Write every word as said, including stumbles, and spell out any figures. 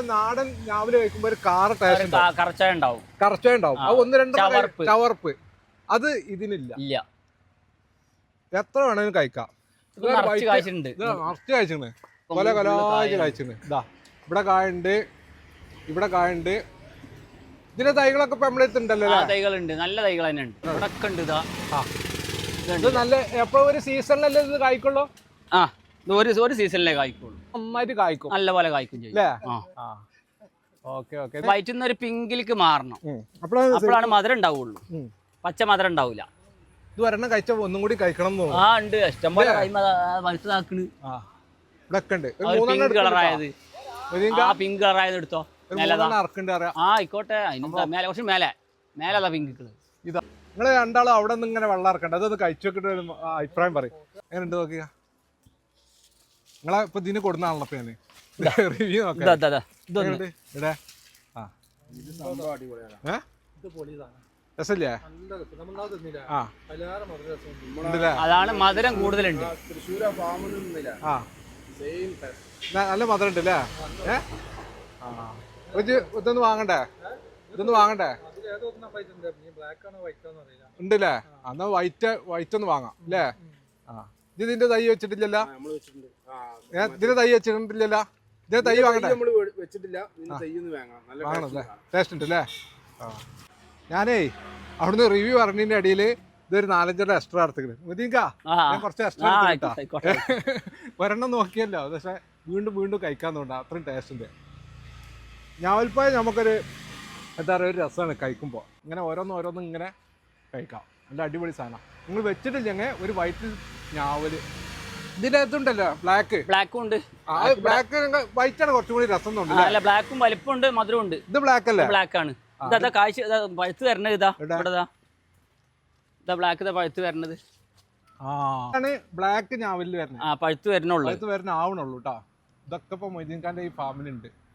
നാടൻ രാവിലെ കഴിക്കുമ്പോ ഒരു കാറ ടേസ്റ്റ് കറച്ചായ ഉണ്ടാവും കറച്ചായ ഉണ്ടാവും അത് ഒന്ന് രണ്ട് ചവർപ്പ് അത് ഇതിനില്ല ഇല്ല. എത്ര വേണേലും കഴിക്കാം. നിറച്ച് കഴിച്ചിട്ടുണ്ട് കൊല കൊലായിട്ട് കഴിച്ചിട്ടുണ്ട്. ഇതാ ഇവിടെ കായുണ്ട്, ഇവിടെ കായുണ്ട്. ഇതിന്റെ തൈകളൊക്കെ ഇപ്പൊ നമ്മളെടുത്തുണ്ടല്ലോ. തൈകളുണ്ട്, നല്ല തൈകൾ തന്നെ ഉണ്ട്. ഇവിടെ ഉണ്ട്. ഇതാ ഇത് നല്ല എപ്പോ ഒരു സീസണിലല്ലേ ഇത് കായ്ക്കുള്ളൂ? ആ ഒരു ഒരു സീസണിലേ കായ്ക്കുള്ളൂ. നന്നായിട്ട് കായ്ക്കും, നല്ല പോലെ കായ്ക്കും ചെയ്യും. വയറ്റിൽ ഒരു പിങ്കിലേക്ക് മാറണം, അപ്പോഴാണ് മധുരം ഉണ്ടാവുള്ളൂ. പച്ച മധുരം ഉണ്ടാവില്ല. ഇത് ഒരെണ്ണം കഴിച്ച ഒന്നും കൂടി കഴിക്കണം. ആ ഉണ്ട്, ഇഷ്ടം പോലെ വലുതാക്കണ്. പിങ്ക് കളറായത്, ആ പിങ്ക് കളറായത് എടുത്തോ. ആ ആയിക്കോട്ടെ, അതിന് മേലെ കുറച്ച് മേലെ മേലെ പിങ്ക് കളർ. ഇതാ നിങ്ങള് രണ്ടാളും അവിടെ നിന്ന് ഇങ്ങനെ വെള്ളം ഇറക്കണ്ട, അതൊന്ന് കഴിച്ചു നോക്കിട്ട് ഒരു അഭിപ്രായം പറയും. എങ്ങനെയുണ്ട് നോക്കിയ നിങ്ങളെ ഇപ്പൊ ഇതിന് കൊടുന്നാണല്ലോ ഇപ്പൊ ഞാന് റിവ്യൂ നോക്കാം. രസല്ലേ? അതാണ് മധുരം കൂടുതലുണ്ട്. ആ നല്ല മധുരം ഉണ്ട് അല്ലേ? ഏഹ് ഇതൊന്ന് വാങ്ങണ്ടേ? ഇതൊന്ന് വാങ്ങണ്ടേ? ഉണ്ടല്ലേ? എന്നാ വൈറ്റ് വൈറ്റ് ഒന്ന് വാങ്ങാം അല്ലേ? ആ ഇത് ഇതിന്റെ തൈ വെച്ചിട്ടില്ലല്ലോ? ഇതിന്റെ തൈ വെച്ചിട്ടില്ലല്ലോ? ഇതിന്റെ തൈ വാങ്ങണ്ടേ? വാങ്ങണല്ലേ? ടേസ്റ്റ് ഉണ്ട് അല്ലേ? ആ ഞാനേ അവിടുന്ന് റിവ്യൂ പറഞ്ഞതിന്റെ അടിയിൽ ഇതൊരു നാലഞ്ചര എക്സ്ട്രാ എടുത്തിട്ടുണ്ട്. മുതിങ്കാ ഞാൻ കുറച്ച് എക്സ്ട്രാ എടുത്തിട്ടാ ഒരെണ്ണം നോക്കിയല്ലോ, പക്ഷെ വീണ്ടും വീണ്ടും കഴിക്കാൻ തോന്നുന്നു, അത്രയും ടേസ്റ്റ് ഉണ്ട്. ഞാവൽപ്പായ നമുക്കൊരു എന്താ പറയുക, ഒരു രസമാണ് കഴിക്കുമ്പോൾ. ഇങ്ങനെ ഓരോന്ന് ഓരോന്നും ഇങ്ങനെ കഴിക്കാം, നല്ല അടിപൊളി സാധനം. നിങ്ങൾ വെച്ചിട്ടില്ലെങ്കിൽ ഒരു വൈറ്റ് ഞാവല് ഇതിന്റെ അകത്തുണ്ടല്ലോ, ബ്ലാക്ക് ബ്ലാക്കും ഉണ്ട്. ബ്ലാക്ക് വൈറ്റ് ആണ് കുറച്ചും കൂടി രസം തോന്നുന്നു. ബ്ലാക്കും വലിപ്പമുണ്ട്, മധുരം ഉണ്ട്. ഇത് ബ്ലാക്ക് അല്ലേ? ബ്ലാക്ക് ആണ്. ഇതാ കാഴ്ച പഴുത്ത് വരണത്. ഇതാ ഇവിടെതാ ഇതാ ബ്ലാക്ക് ഇതാ പഴുത്ത് വരണത്. ആണ് ബ്ലാക്ക് ഞാവലിൽ വരണത്. ആ പഴുത്ത് വരണുള്ളൂ, പഴുത്ത് വരണ ആവണുള്ളൂ കേട്ടോ. ഇതൊക്കെ ഇപ്പൊ മൊയ്തീൻ ഖാന്റെ ഈ ഫാമിലുണ്ട്.